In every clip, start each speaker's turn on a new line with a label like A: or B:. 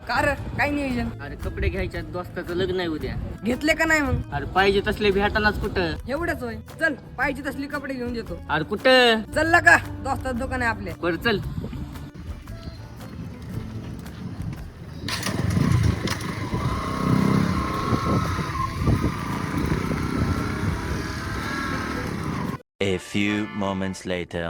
A: Car काय नियोजन?
B: अरे कपडे घ्यायच्या दोस्ताचं लग्न आहे उद्या.
A: घेतले का नाही मग?
B: अरे पाहिजे तसले भेटानाच कुठं.
A: एवढंच होय. चल पाहिजे तसली कपडे घेऊन देतो.
B: अरे कुठं?
A: चल का दोस्तात दुकान आहे आपले.
B: बरं चल.
C: A few moments later.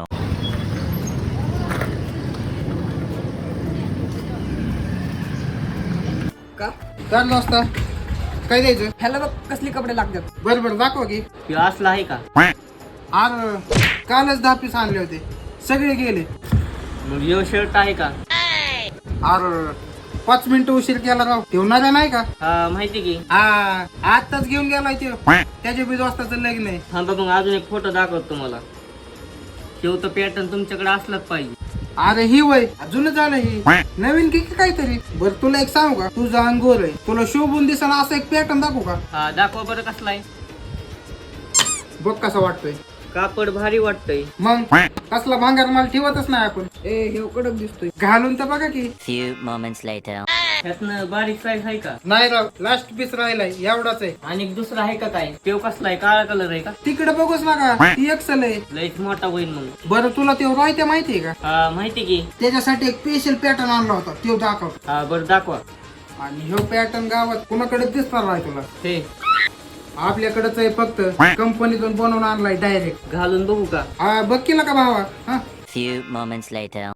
A: का
D: चाललो असता काय द्यायचं?
A: ह्याला बघ कसली कपडे लागतात.
D: बरं बरं दाखवा की.
B: हे असलं आहे का?
D: अरे कालच 10 पीस आणले होते, सगळे गेले.
B: मग यो शर्ट आहे का?
D: अरे 5 मिनिटं उशीर केला राव. ठेवणारा नाही का?
B: हा माहिती की.
D: हा आताच घेऊन गेलाय ते. त्याच्या बी दोस्ताचं लग्न आहे.
B: हा बघ मग अजून एक फोटो दाखवतो तुम्हाला. शेव तर पॅटर्न तुमच्याकडे असलाच पाहिजे.
D: अरे ही वय अजून झालं ही नवीन की काहीतरी. बरं तुला एक सांगू का, तुझं अंगोर आहे, तुला शोभून दिसना असं एक पॅटर्न दाखवू का?
B: हा दाखवा बरं कसला आहे.
D: बघ कसा वाटतोय.
B: कापड भारी वाटतंय.
D: मग कसला भांगार माल ठेवतच नाही आपण.
A: ए हे कडक दिसतोय.
D: घालून तर बघा की.
C: Few moments later.
B: ह्यातनं बारीक साईज आहे का?
D: नाही राव, लास्ट पीस राहिलाय एवढाच आहे.
B: आणि एक दुसरा आहे का काय? तेव कसला आहे? काळा कलर आहे का?
D: तिकडे बघूच नका, ती एक्सल आहे.
B: लईच मोठा होईल मग.
D: बरं तुला ते राहत्या माहितीये का?
B: हा माहिती की.
D: त्याच्यासाठी एक स्पेशल पॅटर्न आणला होता, तो दाखव.
B: हा बरं दाखवा.
D: आणि ह्यो पॅटर्न गावात कुणाकडे दिसणार नाही तुला.
B: हे
D: आपल्याकडेच आहे, फक्त कंपनीतून बनवून आणलाय डायरेक्ट.
B: घालून बघू का?
D: हा बघ केला का भावा? हा
C: Few moments later.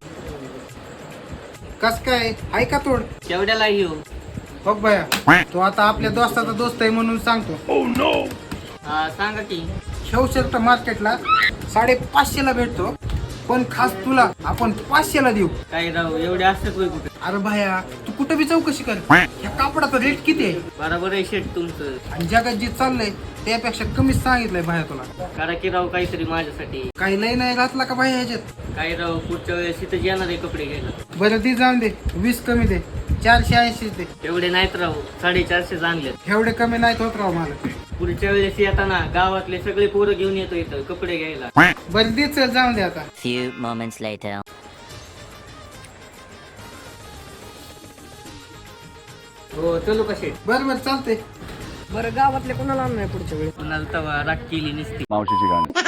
D: कस काय आहे का तोड?
B: केवढ्याला येऊ?
D: बघ भया, तो आता आपल्या दोस्ताचा दोस्त आहे म्हणून सांगतो.
B: हा सांगा की.
D: शेव शर्ट मार्केटला 550 ला भेटतो, पण खास तुला आपण 500 ला देऊ.
B: काय राव एवढे असतात होय कुठे?
D: अरे भाया तू कुठे बी चौकशी कर, ह्या कापडाचा रेट किती आहे
B: बरोबर आहे शेट तुमचं.
D: आणि जगात जे चाललंय त्यापेक्षा कमीच सांगितलंय भाया तुला.
B: करा की राव काहीतरी माझ्यासाठी.
D: काही लय नाही घातला का भाया ह्याच्यात?
B: काय राव पुढच्या वेळेस इथं येणार आहे कपडे घ्यायला.
D: बरं ती जाऊन दे, 20 कमी दे, 480 दे.
B: एवढे नाहीत राव, 450 आणलेत.
D: एवढे कमी नाहीत होत राव मला.
B: पुढच्या वेळेस येताना गावातले सगळे पोरं घेऊन येतो इथं कपडे घ्यायला.
D: बरं दे, चल जाऊन दे आता.
C: Few moments later.
B: हो चलू का शेट?
D: बरं बरं चालते.
A: बरं गावातले कोणाला आणणार पुढच्या वेळी?
B: कुणाला तवा राग केली नसती.
E: मावशीची गाणी